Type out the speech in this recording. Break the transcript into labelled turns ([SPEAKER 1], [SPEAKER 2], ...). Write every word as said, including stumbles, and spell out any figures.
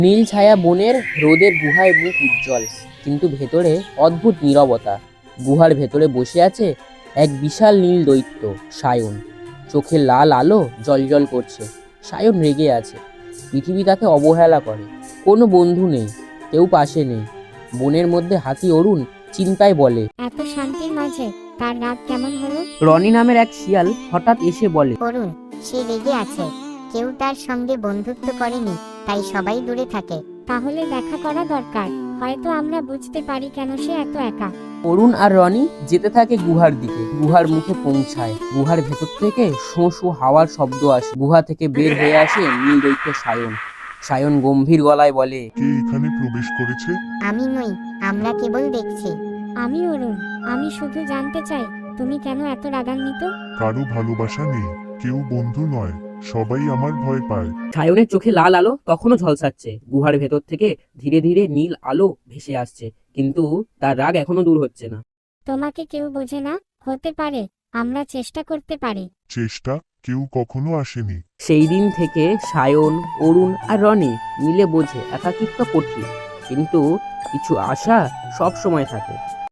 [SPEAKER 1] নীল ছায়া বনের রোদের গুহায় মুখ উজ্জ্বল, কিন্তু ভেতরে অদ্ভুত নীরবতা। গুহার ভেতরে বসে আছে এক বিশাল নীল দৈত্য সায়ন। চোখে লাল আলো জ্বলজ্বল করছে। সায়ন রেগে আছে। পৃথিবী তাকে অবহেলা করে। কোনো বন্ধু নেই, কেউ পাশে নেই। বনের মধ্যে হাতি অরুণ চিন্তায় বলে,
[SPEAKER 2] এত শান্তির মাঝে তার রাত কেমন হলো?
[SPEAKER 1] রনি নামের এক শিয়াল হঠাৎ এসে বলে,
[SPEAKER 2] করুন, সে রেগে আছে। কেউ তার সঙ্গে বন্ধুত্ব করেনি, তাই সবাই দূরে থাকে। তাহলে দেখা করা দরকার। হয়তো আমরা বুঝতে পারি কেন সে এত একা।
[SPEAKER 1] অরুণ আর রনি যেতে থাকে গুহার দিকে। গুহার মুখে পৌঁছায়। গুহার ভেতর থেকে শোঁ শোঁ হাওয়ার শব্দ আসে। গুহা থেকে বের হয়ে আসে নীল দৈত্য সায়ন। সায়ন গম্ভীর গলায় বলে,
[SPEAKER 3] কে এখানে প্রবেশ করেছে?
[SPEAKER 2] আমি নই, আমরা কেবল দেখছি। আমি অরুণ। আমি শুধু জানতে চাই, তুমি কেন এত রাগান্বিত?
[SPEAKER 3] কারো ভালোবাসা নেই, কেউ বন্ধু নয়, সবাই আমার ভয় পায়।
[SPEAKER 1] সায়নের চোখে লাল আলো তখনও ঝলসাচ্ছে। গুহার ভেতর থেকে ধীরে ধীরে নীল আলো ভেসে আসছে, কিন্তু তার রাগ এখনো দূর হচ্ছে না।
[SPEAKER 2] তোমাকে কেউ বোঝে না। হতে পারে আমরা চেষ্টা করতে পারি।
[SPEAKER 3] চেষ্টা? কেউ কখনো আসেনি।
[SPEAKER 1] সেই দিন থেকে সায়ন, অরুণ আর রনি মিলে বোঝে একাকিত্ব কঠিন, কিন্তু কিছু আশা সব সময় থাকে।